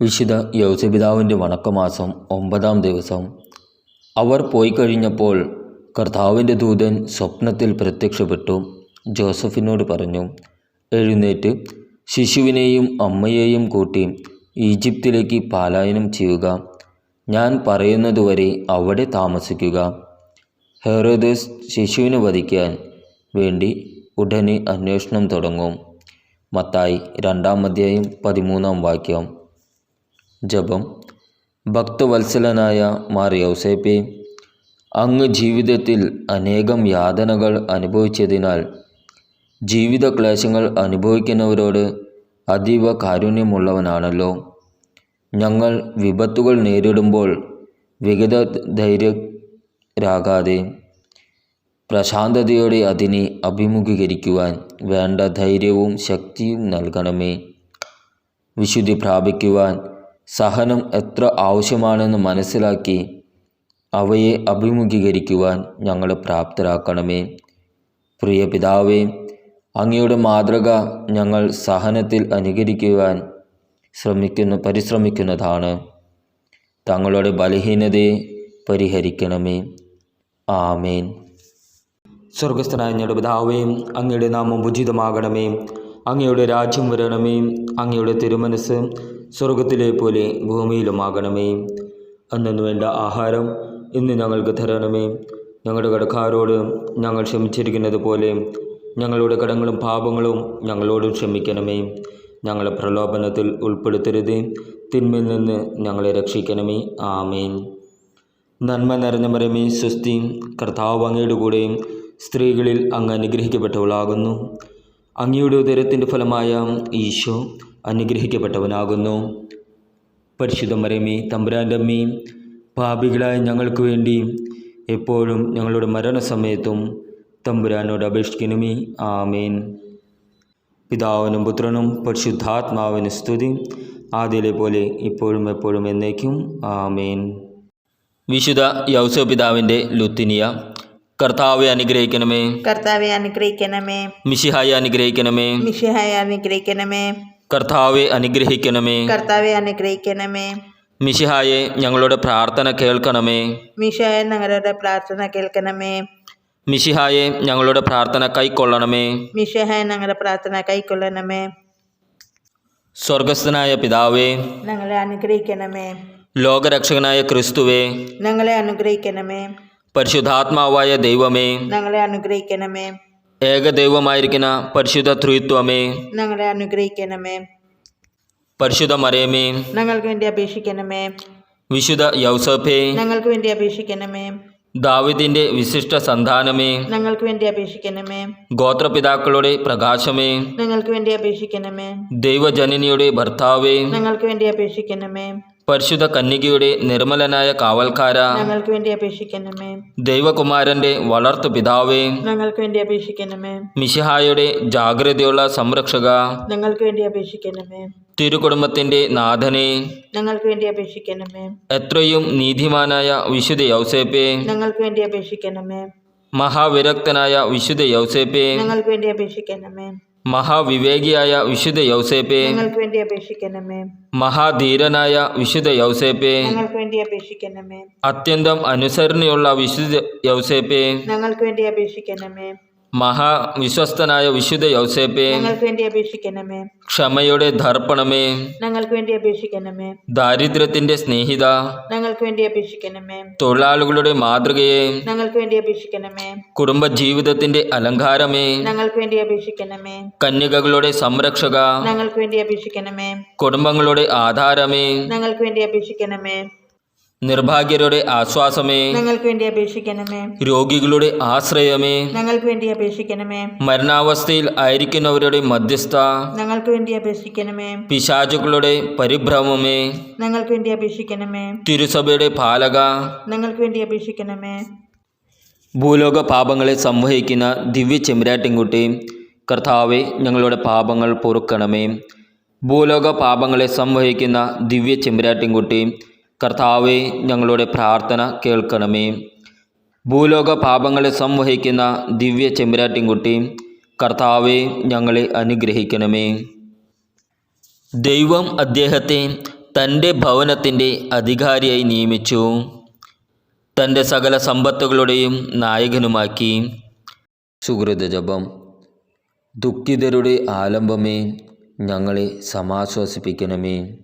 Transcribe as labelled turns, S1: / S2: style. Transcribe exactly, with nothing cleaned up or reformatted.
S1: വിശുദ്ധ യൗസപിതാവിൻ്റെ വണക്കമാസം ഒമ്പതാം ദിവസം. അവർ പോയി കഴിഞ്ഞപ്പോൾ കർത്താവിൻ്റെ ദൂതൻ സ്വപ്നത്തിൽ പ്രത്യക്ഷപ്പെട്ടു ജോസഫിനോട് പറഞ്ഞു, എഴുന്നേറ്റ് ശിശുവിനെയും അമ്മയെയും കൂട്ടി ഈജിപ്തിലേക്ക് പലായനം ചെയ്യുക. ഞാൻ പറയുന്നതുവരെ അവിടെ താമസിക്കുക. ഹെറോദസ് ശിശുവിനെ വധിക്കാൻ വേണ്ടി ഉടനെ അന്വേഷണം തുടങ്ങും. മത്തായി രണ്ടാം അധ്യായം പതിമൂന്നാം വാക്യം. ജപം. ഭക്തവത്സലനായ മാർ യൗസേപ്പേ, അങ്ങ് ജീവിതത്തിൽ അനേകം യാതനകൾ അനുഭവിച്ചതിനാൽ ജീവിത ക്ലേശങ്ങൾ അനുഭവിക്കുന്നവരോട് അതീവ കാരുണ്യമുള്ളവനാണല്ലോ. ഞങ്ങൾ വിപത്തുകൾ നേരിടുമ്പോൾ വിഗത ധൈര്യരാകാതെ പ്രശാന്തതയോടെ അതിനെ അഭിമുഖീകരിക്കുവാൻ വേണ്ട ധൈര്യവും ശക്തിയും നൽകണമേ. വിശുദ്ധി പ്രാപിക്കുവാൻ സഹനം എത്ര ആവശ്യമാണെന്ന് മനസ്സിലാക്കി അവയെ അഭിമുഖീകരിക്കുവാൻ ഞങ്ങളെ പ്രാപ്തരാക്കണമേ. പ്രിയ പിതാവേ, അങ്ങയുടെ മാതൃക ഞങ്ങൾ സഹനത്തിൽ അനുകരിക്കുവാൻ ശ്രമിക്കുന്ന പരിശ്രമിക്കുന്നതാണ്. തങ്ങളുടെ ബലഹീനതയെ പരിഹരിക്കണമേ. ആമേൻ. സ്വർഗസ്ഥനായ ഞങ്ങളുടെ പിതാവേ, അങ്ങയുടെ നാമം ഉചിതമാകണമേ. അങ്ങയുടെ രാജ്യം വരണമേ. അങ്ങയുടെ തിരുമനസ് സ്വർഗത്തിലെ പോലെ ഭൂമിയിലുമാകണമേ. അന്നു വേണ്ട ആഹാരം ഇന്ന് ഞങ്ങൾക്ക് തരണമേ. ഞങ്ങളുടെ കടക്കാരോട് ഞങ്ങൾ ക്ഷമിച്ചിരിക്കുന്നത് പോലെ ഞങ്ങളുടെ കടങ്ങളും പാപങ്ങളും ഞങ്ങളോടും ക്ഷമിക്കണമേ. ഞങ്ങളെ പ്രലോഭനത്തിൽ ഉൾപ്പെടുത്തരുത്, തിന്മയിൽ നിന്ന് ഞങ്ങളെ രക്ഷിക്കണമേ. ആമേൻ. നന്മ നിറഞ്ഞ മറിയമേ, സ്വസ്തി, കർത്താവ് അങ്ങയുടെ കൂടെ സ്ത്രീകളിൽ അങ്ങ് അനുഗ്രഹിക്കപ്പെട്ടവളാകുന്നു. അങ്ങയുടെ ഉദരത്തിൻ്റെ ഫലമായ ഈശോ അനുഗ്രഹിക്കപ്പെട്ടവനാകുന്നു. പരിശുദ്ധ മറിയമേ, തമ്പുരാൻ്റെ അമ്മേ, പാപികളായ ഞങ്ങൾക്ക് വേണ്ടി എപ്പോഴും ഞങ്ങളുടെ മരണസമയത്തും തമ്പുരാനോട് അപേക്ഷിക്കണമേ. ആമേൻ. പിതാവിനും പുത്രനും പരിശുദ്ധാത്മാവിന് സ്തുതി, ആദ്യയിലെ പോലെ ഇപ്പോഴും എപ്പോഴും എന്നേക്കും. ആമേൻ. വിശുദ്ധ യൗസപിതാവിൻ്റെ ലുത്തിനിയ. കർത്താവെ അനുഗ്രഹിക്കണമേ.
S2: കർത്താവെ അനുഗ്രഹിക്കണമേ.
S1: മിശിഹായെ അനുഗ്രഹിക്കണമേ.
S2: മിശിഹായെ അനുഗ്രഹിക്കണമേ.
S1: കർത്താവെ അനുഗ്രഹിക്കണമേ.
S2: കർത്താവെ അനുഗ്രഹിക്കണമേ.
S1: മിശിഹായെ ഞങ്ങളുടെ പ്രാർത്ഥന കേൾക്കണമേ.
S2: മിശിഹായെ ഞങ്ങളുടെ പ്രാർത്ഥന കേൾക്കണമേ.
S1: മിശിഹായെ ഞങ്ങളുടെ പ്രാർത്ഥന കൈക്കൊള്ളണമേ.
S2: മിശിഹായെ ഞങ്ങളുടെ പ്രാർത്ഥന കൈക്കൊള്ളണമേ.
S1: സ്വർഗസ്ഥനായ പിതാവേ,
S2: ഞങ്ങളെ അനുഗ്രഹിക്കണമേ.
S1: ലോകരക്ഷകനായ ക്രിസ്തുവേ,
S2: ഞങ്ങളെ അനുഗ്രഹിക്കണമേ.
S1: പരിശുദ്ധാത്മാവായ ദൈവമേ,
S2: ഞങ്ങളെ അനുഗ്രഹിക്കണമേ.
S1: ഏകദൈവമായിരിക്കുന്ന പരിശുദ്ധ ത്രിത്വമേ,
S2: ഞങ്ങളെ അനുഗ്രഹിക്കണമേ.
S1: പരിശുദ്ധ മറിയമേ,
S2: ഞങ്ങൾക്ക് വേണ്ടി അപേക്ഷിക്കണമേ.
S1: വിശുദ്ധ യൗസേപ്പേ,
S2: ഞങ്ങൾക്ക് വേണ്ടി അപേക്ഷിക്കണമേ.
S1: ദാവീദിന്റെ വിശിഷ്ട സന്താനമേ,
S2: ഞങ്ങൾക്ക് വേണ്ടി അപേക്ഷിക്കണമേ.
S1: ഗോത്രപിതാക്കളുടെ പ്രകാശമേ,
S2: ഞങ്ങൾക്ക് വേണ്ടി അപേക്ഷിക്കണമേ.
S1: ദൈവജനനിയുടെ ഭർത്താവേ,
S2: ഞങ്ങൾക്ക് വേണ്ടി അപേക്ഷിക്കണമേ.
S1: പരിശുദ്ധ കന്യകയുടെ നിർമ്മലനായ കാവൽക്കാര,
S2: ഞങ്ങൾക്ക് വേണ്ടി അപേക്ഷിക്കണമേ.
S1: ദൈവകുമാരന്റെ വളർത്തു പിതാവേ,
S2: ഞങ്ങൾക്ക് വേണ്ടി അപേക്ഷിക്കണമേ.
S1: മിശിഹായുടെ ജാഗ്രതയുള്ള സംരക്ഷക,
S2: ഞങ്ങൾക്ക് വേണ്ടി അപേക്ഷിക്കണമേ.
S1: തിരുകുടുംബത്തിന്റെ നാഥനെ,
S2: ഞങ്ങൾക്ക് വേണ്ടി അപേക്ഷിക്കണമേ.
S1: എത്രയും നീതിമാനായ വിശുദ്ധ യൗസേപ്പേ,
S2: ഞങ്ങൾക്ക് വേണ്ടി അപേക്ഷിക്കണമേ.
S1: മഹാവിരക്തനായ വിശുദ്ധ യൗസേപ്പേ,
S2: ഞങ്ങൾക്ക് വേണ്ടി അപേക്ഷിക്കണമേ.
S1: മഹാവിവേകിയായ വിശുദ്ധ യൗസേപ്പേ,
S2: ഞങ്ങൾക്ക് വേണ്ടി അപേക്ഷിക്കണമേ.
S1: മഹാധീരനായ വിശുദ്ധ യൗസേപ്പേ,
S2: ഞങ്ങൾക്ക് വേണ്ടി അപേക്ഷിക്കണമേ.
S1: അത്യന്തം അനുസരണയുള്ള വിശുദ്ധ യൗസേപ്പേ,
S2: ഞങ്ങൾക്ക് വേണ്ടി അപേക്ഷിക്കണമേ.
S1: മഹാവിശ്വസ്തനായ വിശുദ്ധ യൗസേപ്പേ,
S2: ഞങ്ങൾക്ക് വേണ്ടി അപേക്ഷിക്കണമേ.
S1: ക്ഷമയുടെ ദർപ്പണമേ,
S2: ഞങ്ങൾക്ക് വേണ്ടി അപേക്ഷിക്കണമേ.
S1: ദാരിദ്ര്യത്തിന്റെ സ്നേഹിത,
S2: ഞങ്ങൾക്ക് വേണ്ടി അപേക്ഷിക്കണമേ.
S1: തൊഴിലാളികളുടെ മാതൃകയെ,
S2: ഞങ്ങൾക്ക് വേണ്ടി അപേക്ഷിക്കണമേ.
S1: കുടുംബജീവിതത്തിന്റെ അലങ്കാരമേ,
S2: ഞങ്ങൾക്ക് വേണ്ടി അപേക്ഷിക്കണമേ.
S1: കന്യകകളുടെ സംരക്ഷക,
S2: ഞങ്ങൾക്ക് വേണ്ടി അപേക്ഷിക്കണമേ.
S1: കുടുംബങ്ങളുടെ ആധാരമേ,
S2: ഞങ്ങൾക്ക് വേണ്ടി അപേക്ഷിക്കണമേ.
S1: നിർഭാഗ്യരുടെ ആശ്വാസമേ,
S2: ഞങ്ങൾക്ക് വേണ്ടി അപേക്ഷിക്കണമേ.
S1: രോഗികളുടെ ആശ്രയമേ,
S2: ഞങ്ങൾക്ക് വേണ്ടി അപേക്ഷിക്കണമേ.
S1: മരണാവസ്ഥയിൽ ആയിരിക്കുന്നവരുടെ മധ്യസ്ഥ,
S2: ഞങ്ങൾക്ക് വേണ്ടി അപേക്ഷിക്കണമേ.
S1: പിശാചുക്കളുടെ പരിഭ്രമമേ,
S2: ഞങ്ങൾക്ക് വേണ്ടി അപേക്ഷിക്കണമേ.
S1: തിരുസഭയുടെ പാലക,
S2: ഞങ്ങൾക്ക് വേണ്ടി അപേക്ഷിക്കണമേ.
S1: ഭൂലോക പാപങ്ങളെ സംവഹിക്കുന്ന ദിവ്യ ചെമ്പരാട്ടിൻകുട്ടി, കർത്താവെ ഞങ്ങളുടെ പാപങ്ങൾ പൊറുക്കണമേ. ഭൂലോക പാപങ്ങളെ സംവഹിക്കുന്ന ദിവ്യ ചെമ്പരാട്ടിൻകുട്ടി, കർത്താവെ ഞങ്ങളുടെ പ്രാർത്ഥന കേൾക്കണമേ. ഭൂലോക പാപങ്ങളെ സംവഹിക്കുന്ന ദിവ്യ ചെമ്പരാട്ടിൻകുട്ടി, കർത്താവെ ഞങ്ങളെ അനുഗ്രഹിക്കണമേ. ദൈവം അദ്ദേഹത്തെ തൻ്റെ ഭവനത്തിൻ്റെ അധികാരിയായി നിയമിച്ചു. തൻ്റെ സകല സമ്പത്തുകളുടെയും നായകനുമാക്കി. സുഹൃതജപം. ദുഃഖിതരുടെ ആലംബമേ, ഞങ്ങളെ സമാശ്വസിപ്പിക്കണമേ.